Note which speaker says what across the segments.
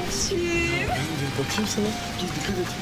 Speaker 1: Ateşim.
Speaker 2: Bakayım sana. Dur dikkat et.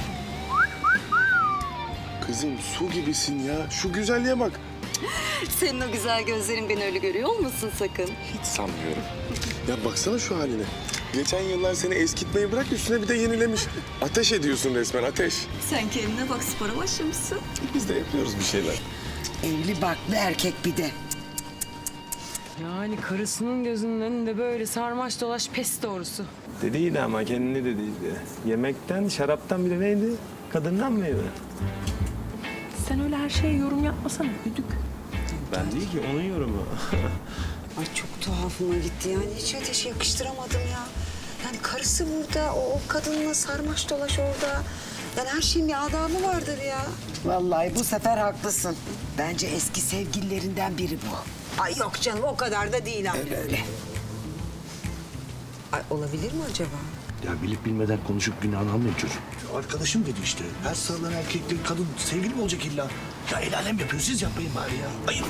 Speaker 2: Kızım su gibisin ya. Şu güzelliğe bak.
Speaker 1: Senin o güzel gözlerin beni öyle görüyor olmasın sakın.
Speaker 2: Hiç sanmıyorum. Ya baksana şu haline. Geçen yıllar seni eskitmeyi bırak üstüne bir de yenilemiş. Ateş ediyorsun resmen ateş.
Speaker 1: Sen kendine bak, spora başlamışsın.
Speaker 2: Biz de yapıyoruz bir şeyler.
Speaker 3: Evli barklı erkek bir de.
Speaker 4: Yani karısının gözünün önünde böyle sarmaş dolaş pes doğrusu.
Speaker 5: Dediydi ama kendini dediydi. Yemekten, şaraptan bir de neydi? Kadından mıydı?
Speaker 4: Sen öyle her şeye yorum yapmasana güdük.
Speaker 5: Ben değil ki, onun yorumu.
Speaker 3: Ay çok tuhafıma gitti yani hiç ateşe yakıştıramadım ya. Yani karısı burada, o kadınla sarmaş dolaş orada. Yani her şeyin bir adabı vardır ya. Vallahi bu sefer haklısın. Bence eski sevgililerinden biri bu. Ay yok canım o kadar da değil ama. Öyle öyle. Ay olabilir mi acaba?
Speaker 6: Ya bilip bilmeden konuşup günahını almayın çocuk. Arkadaşım dedi işte. Her sarılan erkekle kadın sevgili mi olacak illa? Ya el alem yapıyor, siz yapmayın bari ya. Ayıp.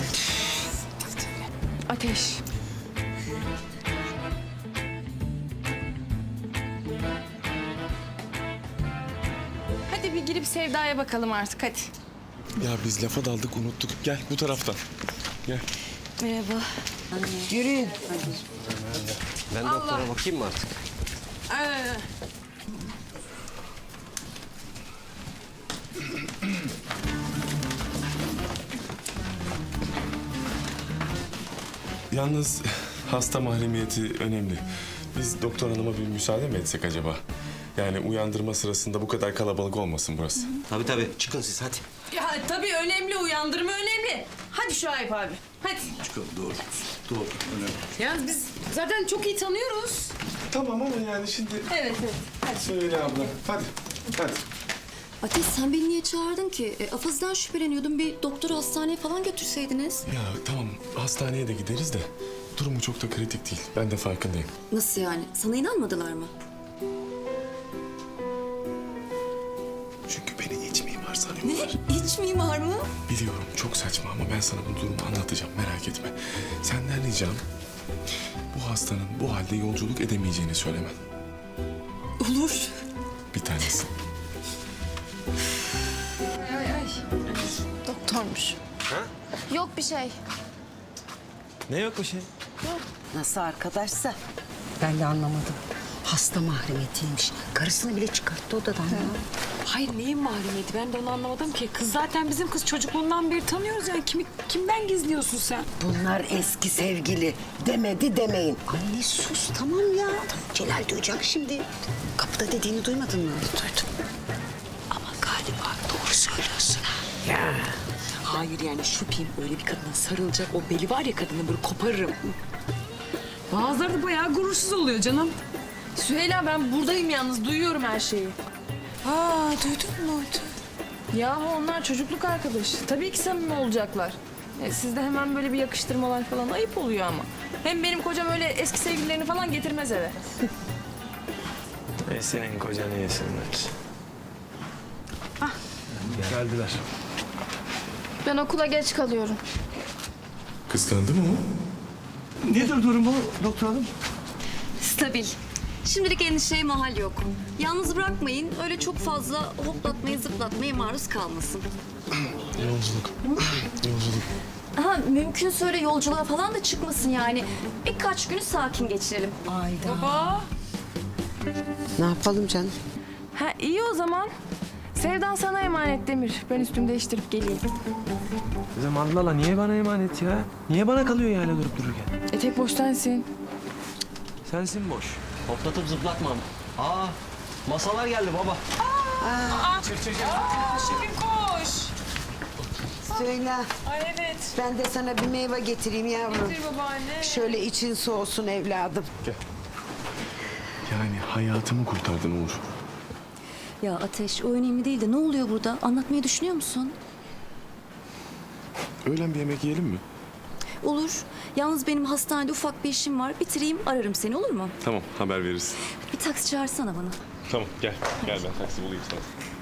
Speaker 4: Ateş. Hadi bir girip Sevda'ya bakalım artık hadi.
Speaker 2: Ya biz lafa daldık unuttuk. Gel bu taraftan. Gel.
Speaker 1: Merhaba.
Speaker 3: Yürüyün.
Speaker 7: Ben doktora bakayım mı artık?
Speaker 2: Yalnız hasta mahremiyeti önemli. Biz doktor hanıma bir müsaade mi etsek acaba? Yani uyandırma sırasında bu kadar kalabalık olmasın burası.
Speaker 7: Tabii çıkın siz hadi.
Speaker 4: Ya tabii önemli, uyandırma önemli. Hadi Şuayb abi, hadi.
Speaker 6: Çıkalım, doğru. Doğru, önemli.
Speaker 4: Yalnız biz zaten çok iyi tanıyoruz.
Speaker 2: Tamam ama yani şimdi...
Speaker 4: Evet.
Speaker 2: Söyle abla. Hadi. Hadi.
Speaker 8: Ateş sen beni niye çağırdın ki? Afaz'dan şüpheleniyordum. Bir doktor hastaneye falan götürseydiniz.
Speaker 2: Ya tamam hastaneye de gideriz de durumu çok da kritik değil. Ben de farkındayım.
Speaker 8: Nasıl yani? Sana inanmadılar mı?
Speaker 2: Çünkü beni iç mimar
Speaker 8: Ne?
Speaker 2: sanıyorlar.
Speaker 8: İç mimar mı?
Speaker 2: Biliyorum çok saçma ama ben sana bu durumu anlatacağım merak etme. Senden ricam bu hastanın bu halde yolculuk edemeyeceğini söylemen.
Speaker 8: Olur.
Speaker 2: Bir tanesi.
Speaker 8: Doktormuş. Yok bir şey.
Speaker 5: Ne yok bir şey?
Speaker 3: Nasıl arkadaşsa? Ben de anlamadım. Hasta mahremiyetiymiş. Karısını bile çıkarttı odadan ya.
Speaker 4: Hayır neyin mahremiyeti ben de onu anlamadım ki. Kız zaten bizim kız çocukluğundan beri tanıyoruz yani. Kimden gizliyorsun sen?
Speaker 3: Bunlar eski sevgili. Demedi demeyin. Anne sus tamam ya. Celal duyacak şimdi. Kapıda dediğini duymadın mı? Duydum. Ama galiba doğru söylüyorsun ha.
Speaker 4: Hayır yani şüpheyim öyle bir kadına sarılacak o beli var ya kadını böyle koparırım. Bazıları da bayağı gurursuz oluyor canım. Süheyla ben buradayım yalnız duyuyorum her şeyi.
Speaker 3: Aa duydun mu?
Speaker 4: Ya onlar çocukluk arkadaş. Tabii ki samimi olacaklar. Sizde hemen böyle bir yakıştırmalar falan ayıp oluyor ama. Hem benim kocam öyle eski sevgililerini falan getirmez eve.
Speaker 5: Senin kocanı yesinler. Geldiler.
Speaker 8: Ben okula geç kalıyorum.
Speaker 2: Kıskandı mı o?
Speaker 6: Nedir durumu doktor hanım?
Speaker 8: Stabil. Şimdilik endişeye mahal yok. Yalnız bırakmayın. Öyle çok fazla hoplatmaya zıplatmaya maruz kalmasın.
Speaker 2: Yolculuk. Yolculuk.
Speaker 8: Ha, mümkünse öyle yolculuğa falan da çıkmasın yani. Birkaç günü sakin geçirelim.
Speaker 4: Baba.
Speaker 3: Ne yapalım canım?
Speaker 4: Ha iyi o zaman. Sevdan sana emanet Demir. Ben üstümü değiştirip geleyim.
Speaker 5: Kızım Allah Allah niye bana emanet ya? Niye bana kalıyor yani durup dururken?
Speaker 4: Tek boş sensin.
Speaker 5: Sensin boş.
Speaker 7: Hoplatıp zıplatmam. Aa masalar geldi baba.
Speaker 4: Şefim koş.
Speaker 3: Söyle.
Speaker 4: Ay evet.
Speaker 3: Ben de sana bir meyve getireyim yavrum.
Speaker 4: Getir babaanne.
Speaker 3: Şöyle için soğusun evladım.
Speaker 2: Yani hayatımı kurtardın Uğur.
Speaker 8: Ya Ateş o önemli değil de ne oluyor burada? Anlatmayı düşünüyor musun?
Speaker 2: Öğlen bir yemek yiyelim mi?
Speaker 8: Olur. Yalnız benim hastanede ufak bir işim var. Bitireyim ararım seni olur mu?
Speaker 2: Tamam haber veririz.
Speaker 8: Bir taksi çağırsana bana.
Speaker 2: Tamam gel. Gel ben taksi bulayım sana.